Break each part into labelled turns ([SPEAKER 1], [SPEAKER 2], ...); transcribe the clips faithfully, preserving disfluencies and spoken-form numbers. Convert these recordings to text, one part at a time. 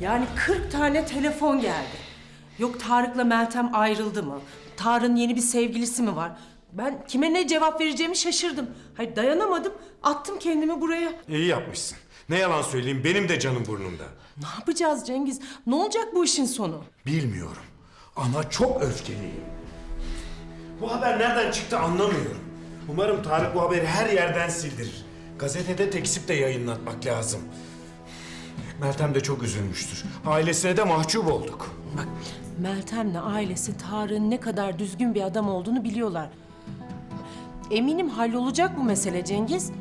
[SPEAKER 1] Yani kırk tane telefon geldi. Yok Tarık'la Meltem ayrıldı mı? Tarık'ın yeni bir sevgilisi mi var? Ben kime ne cevap vereceğimi şaşırdım. Hayır dayanamadım, attım kendimi buraya.
[SPEAKER 2] İyi yapmışsın. Ne yalan söyleyeyim, benim de canım burnumda.
[SPEAKER 1] Ne yapacağız Cengiz? Ne olacak bu işin sonu?
[SPEAKER 2] Bilmiyorum ama çok öfkeliyim. Bu haber nereden çıktı anlamıyorum. Umarım Tarık bu haberi her yerden sildirir. Gazetede tekzip de yayınlatmak lazım. Meltem de çok üzülmüştür. Ailesine de mahcup olduk.
[SPEAKER 1] Bak Meltem'le ailesi Tarık'ın ne kadar düzgün bir adam olduğunu biliyorlar. Eminim hallolacak bu mesele Cengiz.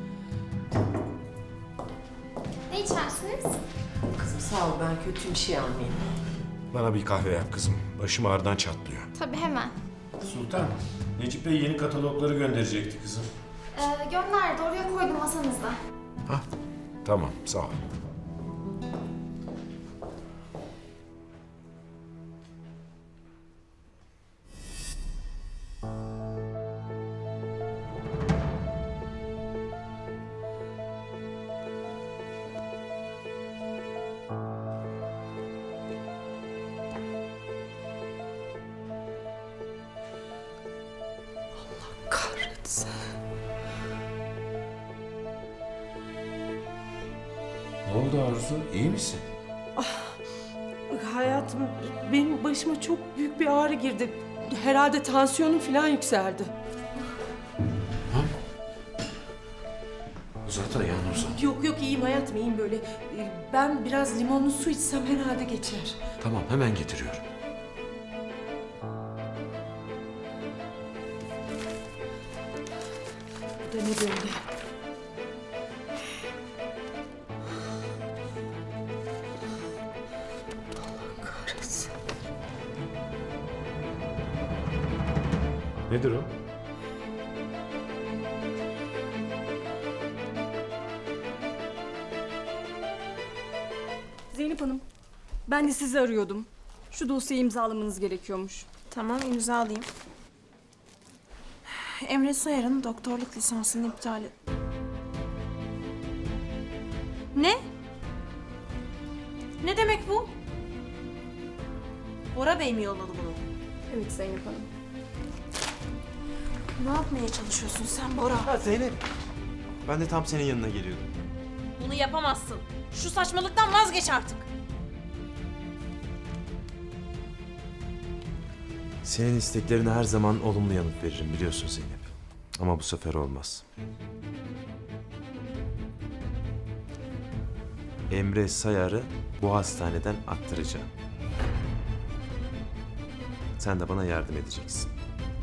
[SPEAKER 3] Ne içersiniz?
[SPEAKER 1] Kızım sağ ol, ben kötü bir şey almayayım.
[SPEAKER 2] Bana bir kahve yap kızım. Başım ağrıdan çatlıyor.
[SPEAKER 3] Tabii hemen.
[SPEAKER 2] Sultan, Necip Bey yeni katalogları gönderecekti kızım.
[SPEAKER 3] Ee, gönderdi, oraya koydum masanızda.
[SPEAKER 2] Hah, tamam sağ ol.
[SPEAKER 1] Kahretsin.
[SPEAKER 2] Ne oldu Arzu? İyi misin?
[SPEAKER 1] Hayatım, benim başıma çok büyük bir ağrı girdi. Herhalde tansiyonum falan yükseldi.
[SPEAKER 2] Uzat ayağını uzat.
[SPEAKER 1] Yok yok, iyiyim hayatım, iyiyim böyle. Ben biraz limonlu su içsem herhalde geçer.
[SPEAKER 2] Tamam hemen getiriyorum.
[SPEAKER 1] Bu da ne böyle? Allah kahretsin.
[SPEAKER 2] Nedir o?
[SPEAKER 4] Zeynep Hanım, ben de sizi arıyordum. Şu dosyayı imzalamanız gerekiyormuş.
[SPEAKER 5] Tamam, imzalayayım. Emre Sayar'ın doktorluk lisansını iptal et. Ne? Ne demek bu? Bora Bey mi yolladı bunu?
[SPEAKER 4] Evet Zeynep Hanım.
[SPEAKER 5] Ne yapmaya çalışıyorsun sen Bora?
[SPEAKER 6] Ha Zeynep. Ben de tam senin yanına geliyordum.
[SPEAKER 5] Bunu yapamazsın. Şu saçmalıktan vazgeç artık.
[SPEAKER 6] Senin isteklerine her zaman olumlu yanıt veririm biliyorsun Zeynep. Ama bu sefer olmaz. Emre Sayar'ı bu hastaneden attıracağım. Sen de bana yardım edeceksin.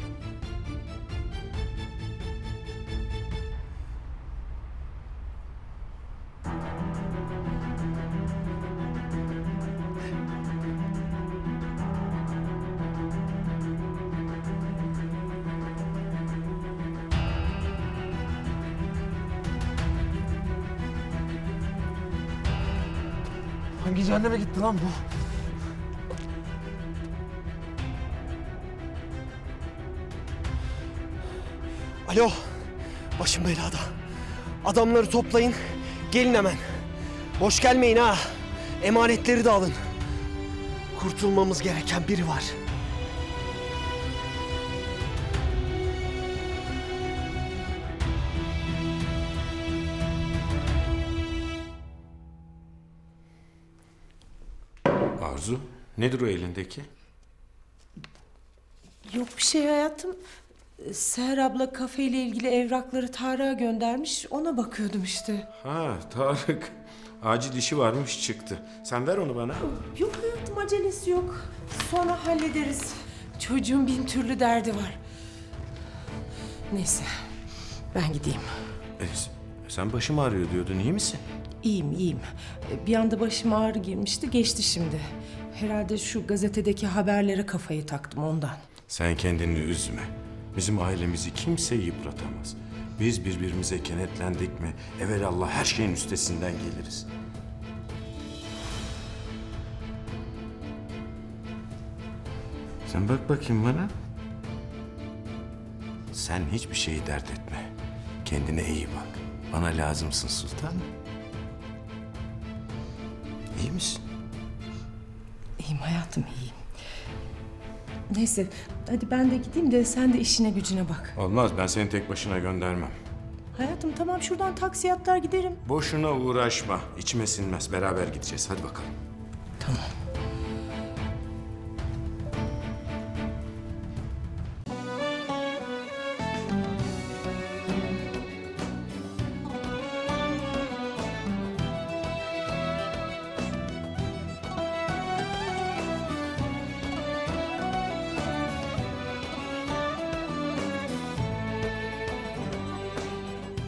[SPEAKER 6] Hangi cehenneme gitti lan bu?
[SPEAKER 7] Alo, başım belada. Adamları toplayın, gelin hemen. Boş gelmeyin ha. Emanetleri de alın. Kurtulmamız gereken biri var.
[SPEAKER 2] Arzu, nedir o elindeki?
[SPEAKER 1] Yok bir şey hayatım. Seher abla kafeyle ilgili evrakları Tarık'a göndermiş. Ona bakıyordum işte.
[SPEAKER 2] Ha Tarık. Acil işi varmış çıktı. Sen ver onu bana.
[SPEAKER 1] Yok hayatım, acelesi yok. Sonra hallederiz. Çocuğun bin türlü derdi var. Neyse, ben gideyim.
[SPEAKER 2] E, sen başım ağrıyor diyordun, iyi misin?
[SPEAKER 1] İyiyim, iyiyim. Bir anda başıma ağrı girmişti, geçti şimdi. Herhalde şu gazetedeki haberlere kafayı taktım ondan.
[SPEAKER 2] Sen kendini üzme. Bizim ailemizi kimse yıpratamaz. Biz birbirimize kenetlendik mi evelallah her şeyin üstesinden geliriz. Sen bak bakayım bana. Sen hiçbir şeyi dert etme. Kendine iyi bak. Bana lazımsın sultanım. İyi misin?
[SPEAKER 1] İyiyim hayatım, iyiyim. Neyse, hadi ben de gideyim de sen de işine gücüne bak.
[SPEAKER 2] Olmaz, ben seni tek başına göndermem.
[SPEAKER 1] Hayatım tamam, şuradan taksi atlar giderim.
[SPEAKER 2] Boşuna uğraşma. İçime sinmez. Beraber gideceğiz. Hadi bakalım.
[SPEAKER 1] Tamam.